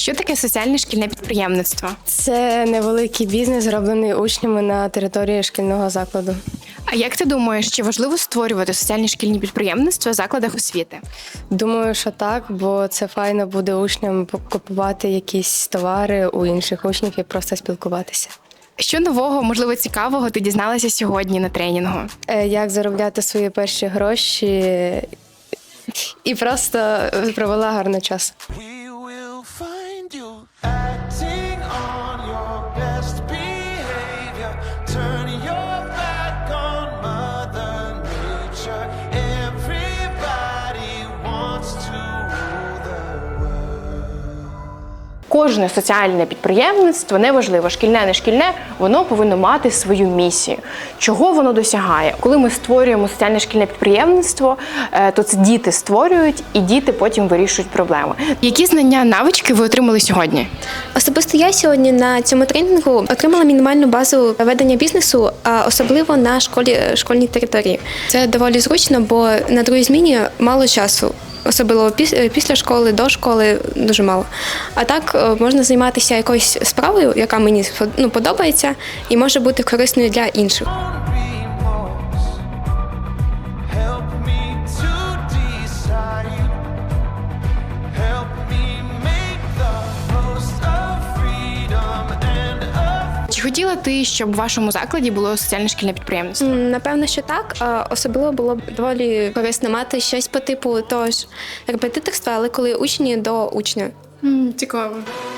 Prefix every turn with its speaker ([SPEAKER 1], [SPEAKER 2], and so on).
[SPEAKER 1] Що таке соціальне шкільне підприємництво?
[SPEAKER 2] Це невеликий бізнес, зроблений учнями на території шкільного закладу.
[SPEAKER 1] А як ти думаєш, чи важливо створювати соціальні шкільні підприємництва в закладах освіти?
[SPEAKER 2] Думаю, що так, бо це файно буде учням купувати якісь товари у інших учнів і просто спілкуватися.
[SPEAKER 1] Що нового, можливо, цікавого ти дізналася сьогодні на тренінгу?
[SPEAKER 2] Як заробляти свої перші гроші і просто провела гарний час.
[SPEAKER 3] We will find you acting on your best behavior. Turn your back on Mother Nature. Everybody wants to rule the world.
[SPEAKER 1] Кожне соціальне підприємництво, неважливо, шкільне, не шкільне, воно повинно мати свою місію. Чого воно досягає? Коли ми створюємо соціальне шкільне підприємництво, то це діти створюють, і діти потім вирішують проблеми. Які знання, навички ви отримали сьогодні?
[SPEAKER 4] Особисто я сьогодні на цьому тренінгу отримала мінімальну базу ведення бізнесу, а особливо на школьній території. Це доволі зручно, бо на другій зміні мало часу. Особливо після школи, до школи дуже мало. А так можна займатися якоюсь справою, яка мені подобається, і може бути корисною для інших.
[SPEAKER 3] Remorse. Help me to decide. Help me make the most of freedom and of
[SPEAKER 1] Чи хотіла ти, щоб в вашому закладі було соціальне шкільне підприємництво?
[SPEAKER 4] Напевно, що так. Особливо було б доволі корисно мати щось по типу того ж репетиторства, але коли учні до учня.
[SPEAKER 1] Цікаво.